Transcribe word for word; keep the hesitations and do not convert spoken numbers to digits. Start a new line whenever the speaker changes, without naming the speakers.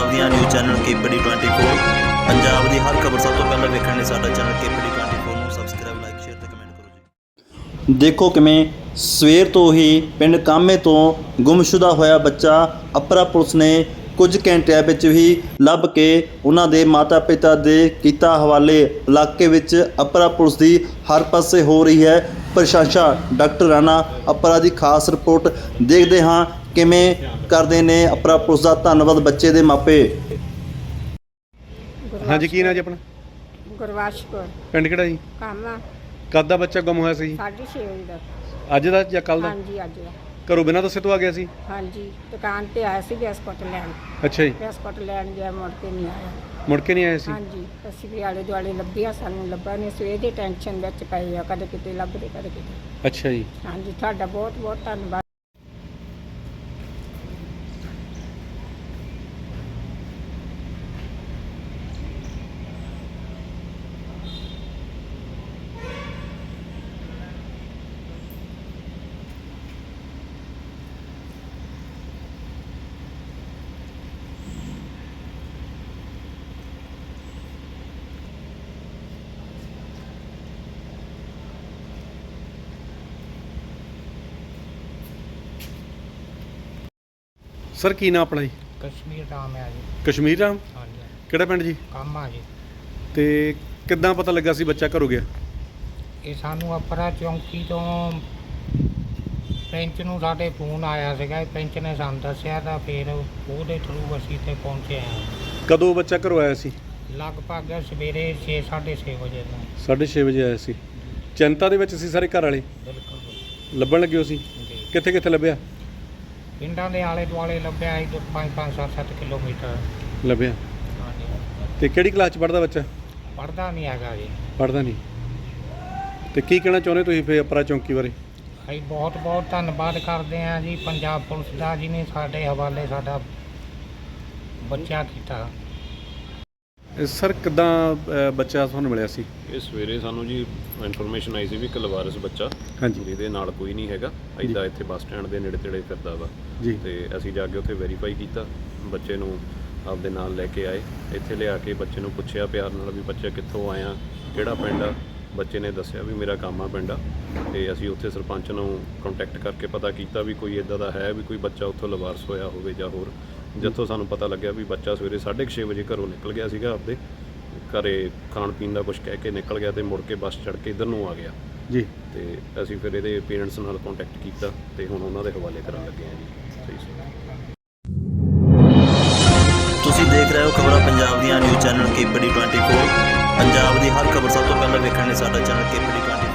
ਪੰਜਾਬ ਦੀਆਂ news channel KPD twenty four Punjab ਦੀ ਹਰ ਖਬਰ ਸਭ ਤੋਂ ਪਹਿਲਾਂ ਵੇਖਣ ਲਈ ਸਾਡਾ ਚੈਨਲ ਕੇਪੀਡੀ ਟਵੈਂਟੀ ਫੋਰ ਨੂੰ ਸਬਸਕ੍ਰਾਈਬ ਲਾਈਕ ਸ਼ੇਅਰ ਤੇ ਕਮੈਂਟ ਕਰੋ ਜੀ। ਦੇਖੋ ਕਿਵੇਂ ਸਵੇਰ ਤੋਂ ਹੀ ਪਿੰਡ ਕਾਮੇ ਤੋਂ ਗੁੰਮਸ਼ੁਦਾ ਹੋਇਆ ਬੱਚਾ ਅਪਰਾ ਪੁਲਿਸ ਨੇ ਕੁਝ ਘੰਟਿਆਂ ਵਿੱਚ ਹੀ ਲੱਭ ਕੇ ਉਹਨਾਂ ਦੇ ਮਾਤਾ ਪਿਤਾ ਦੇ ਕੀਤਾ ਹਵਾਲੇ। ਇਲਾਕੇ ਵਿੱਚ ਅਪਰਾ ਪੁਲਿਸ ਦੀ ਹਰ ਪਾਸੇ ਹੋ ਰਹੀ ਹੈ ਪ੍ਰਸ਼ੰਸਾ। ਡਾਕਟਰ ਰਾਣਾ ਅਪਰਾ ਦੀ ਖਾਸ ਰਿਪੋਰਟ ਦੇਖਦੇ ਹਾਂ ਕਿਵੇਂ ਕਰਦੇ ਨੇ ਅਪਰਾ ਪੁਲਿਸ ਦਾ ਧੰਨਵਾਦ ਬੱਚੇ ਦੇ ਮਾਪੇ।
ਹਾਂਜੀ ਕੀ ਨਾਂ ਜੀ ਆਪਣਾ?
ਗੁਰਵਾਸ਼ ਕੌਰ।
ਪਿੰਡ ਕਿਹੜਾ ਜੀ?
ਕਾਮਾ।
ਕਦ ਦਾ ਬੱਚਾ ਗੁੰਮ ਹੋਇਆ ਸੀ ਜੀ?
ਸਾਢੇ ਛੇ ਵਜੇ ਦਾ।
ਅੱਜ ਦਾ ਜਾਂ ਕੱਲ ਦਾ?
ਹਾਂਜੀ ਅੱਜ ਦਾ।
ਘਰੋਂ ਬਿਨਾਂ ਦੱਸੇ ਤੋਂ ਆ ਗਿਆ ਸੀ?
ਹਾਂਜੀ ਦੁਕਾਨ ਤੇ ਆਇਆ ਸੀ ਬਿਸਕੁਟ ਲੈਣ।
ਅੱਛਾ ਜੀ।
ਬਿਸਕੁਟ ਲੈਣ ਗਿਆ, ਮੁੜ ਕੇ ਨਹੀਂ ਆਇਆ।
ਮੁੜ ਕੇ ਨਹੀਂ ਆਇਆ ਸੀ?
ਹਾਂਜੀ ਅਸੀਂ ਵੀ ਆਲੇ ਦੁਆਲੇ ਲੱਭਿਆ, ਸਾਨੂੰ ਲੱਭਾ ਨਹੀਂ। ਸਵੇਰ ਦੀ ਟੈਨਸ਼ਨ ਵਿੱਚ ਪਏ ਆ, ਕਦੇ ਕਿਤੇ ਲੱਭਦੇ ਕਦੇ ਕਿਤੇ।
ਅੱਛਾ ਜੀ।
ਹਾਂਜੀ ਤੁਹਾਡਾ ਬਹੁਤ ਬਹੁਤ ਧੰਨਵਾਦ।
ਸਰ ਕੀ ਨਾਂ ਆਪਣਾ ਜੀ?
ਕਸ਼ਮੀਰ ਰਾਮ ਹੈ ਜੀ।
ਕਸ਼ਮੀਰ ਰਾਮ?
ਹਾਂਜੀ
ਕਿਹੜਾ ਪਿੰਡ ਜੀ?
ਕਾਮਾ ਜੀ।
ਤੇ ਕਿੱਦਾਂ ਪਤਾ ਲੱਗਾ ਸੀ ਬੱਚਾ ਘਰੋਂ ਗਿਆ?
ਇਹ ਸਾਨੂੰ ਅਪਰਾ ਚੌਂਕੀ ਤੋਂ ਪੈਂਚ ਨੂੰ ਸਾਡੇ ਫੋਨ ਆਇਆ ਸੀਗਾ। ਪੈਂਚ ਨੇ ਸਾਨੂੰ ਦੱਸਿਆ ਤਾਂ ਫਿਰ ਉਹਦੇ ਥਰੂ ਅਸੀਂ ਇੱਥੇ ਪਹੁੰਚੇ ਹਾਂ।
ਕਦੋਂ ਬੱਚਾ ਘਰੋਂ ਆਇਆ ਸੀ?
ਲਗਭਗ ਸਵੇਰੇ ਛੇ ਸਾਢੇ ਛੇ ਵਜੇ ਤੋਂ।
ਸਾਢੇ ਛੇ ਵਜੇ ਆਇਆ ਸੀ। ਚਿੰਤਾ ਦੇ ਵਿੱਚ ਸੀ ਸਾਰੇ ਘਰ ਵਾਲੇ?
ਬਿਲਕੁਲ
ਲੱਭਣ ਲੱਗੇ ਹੋ ਸੀ?
ਜੀ।
ਕਿੱਥੇ ਕਿੱਥੇ ਲੱਭਿਆ?
ਪਿੰਡਾਂ ਦੇ ਆਲੇ ਦੁਆਲੇ ਲੱਭਿਆ ਸੀ ਪੰਜ ਪੰਜ ਸੱਤ ਸੱਤ ਕਿਲੋਮੀਟਰ।
ਲੱਭਿਆ।
ਹਾਂਜੀ
ਤੇ ਕਿਹੜੀ ਕਲਾਸ 'ਚ ਪੜ੍ਹਦਾ ਬੱਚਾ?
ਪੜ੍ਹਦਾ ਨਹੀਂ ਹੈਗਾ ਜੀ।
ਪੜ੍ਹਦਾ ਨਹੀਂ। ਤੇ ਕੀ ਕਹਿਣਾ ਚਾਹੁੰਦੇ ਤੁਸੀਂ ਫਿਰ ਅਪਰਾ ਚੌਂਕੀ ਬਾਰੇ?
ਅਸੀਂ ਬਹੁਤ ਬਹੁਤ ਧੰਨਵਾਦ ਕਰਦੇ ਹਾਂ ਜੀ ਪੰਜਾਬ ਪੁਲਿਸ ਦਾ, ਜਿਹਨੇ ਸਾਡੇ ਹਵਾਲੇ ਸਾਡਾ ਬੱਚਾ ਕੀਤਾ।
ਸਰ ਕਿੱਦਾਂ ਬੱਚਾ ਤੁਹਾਨੂੰ ਮਿਲਿਆ ਸੀ?
ਇਹ ਸਵੇਰੇ ਸਾਨੂੰ ਜੀ ਇਨਫੋਰਮੇਸ਼ਨ ਆਈ ਸੀ ਵੀ ਇੱਕ ਲਵਾਰਸ ਬੱਚਾ
ਹਾਂਜੀ
ਜਿਹਦੇ ਨਾਲ ਕੋਈ ਨਹੀਂ ਹੈਗਾ ਇੱਦਾਂ ਇੱਥੇ ਬੱਸ ਸਟੈਂਡ ਦੇ ਨੇੜੇ ਤੇੜੇ ਫਿਰਦਾ ਵਾ
ਜੀ।
ਤੇ ਅਸੀਂ ਜਾ ਕੇ ਉੱਥੇ ਵੈਰੀਫਾਈ ਕੀਤਾ, ਬੱਚੇ ਨੂੰ ਆਪਦੇ ਨਾਲ ਲੈ ਕੇ ਆਏ। ਇੱਥੇ ਲਿਆ ਕੇ ਬੱਚੇ ਨੂੰ ਪੁੱਛਿਆ ਪਿਆਰ ਨਾਲ ਵੀ ਬੱਚਾ ਕਿੱਥੋਂ ਆਇਆ, ਕਿਹੜਾ ਪਿੰਡ ਆ। ਬੱਚੇ ਨੇ ਦੱਸਿਆ ਵੀ ਮੇਰਾ ਕਾਮਾ ਪਿੰਡ ਆ। ਤੇ ਅਸੀਂ ਉੱਥੇ ਸਰਪੰਚ ਨੂੰ ਕੰਟੈਕਟ ਕਰਕੇ ਪਤਾ ਕੀਤਾ ਵੀ ਕੋਈ ਇੱਦਾਂ ਦਾ ਹੈ ਵੀ ਕੋਈ ਬੱਚਾ ਉੱਥੋਂ ਲਵਾਰਸ ਹੋਇਆ ਹੋਵੇ ਜਾਂ ਹੋਰ। ਜਿੱਥੋਂ ਸਾਨੂੰ ਪਤਾ ਲੱਗਿਆ ਵੀ ਬੱਚਾ ਸਵੇਰੇ ਸਾਢੇ ਕੁ ਛੇ ਵਜੇ ਘਰੋਂ ਨਿਕਲ ਗਿਆ ਸੀਗਾ, ਆਪਦੇ ਘਰੇ ਖਾਣ ਪੀਣ ਦਾ ਕੁਝ ਕਹਿ ਕੇ ਨਿਕਲ ਗਿਆ ਤੇ ਮੁੜ ਕੇ ਬੱਸ ਚੜ੍ਹ ਕੇ ਇੱਧਰ ਨੂੰ ਆ ਗਿਆ
ਜੀ।
ਤੇ ਅਸੀਂ ਫਿਰ ਇਹਦੇ ਪੇਰੈਂਟਸ ਨਾਲ ਕੰਟੈਕਟ ਕੀਤਾ ਤੇ ਹੁਣ ਉਹਨਾਂ ਦੇ ਹਵਾਲੇ ਕਰਨ ਲੱਗੇ ਹਾਂ ਜੀ। ਸਹੀ ਸਹੀ।
ਤੁਸੀਂ ਦੇਖ ਰਹੇ ਹੋ ਖਬਰਾਂ ਪੰਜਾਬ ਦੀਆਂ news channel KPD twenty four Punjab ਦੀ ਹਰ ਖਬਰ ਸਭ ਤੋਂ ਪਹਿਲਾਂ ਵੇਖਣ ਲਈ ਸਾਡਾ ਚੈਨਲ ਕੇਪੀਡੀ ਟਵੈਂਟੀ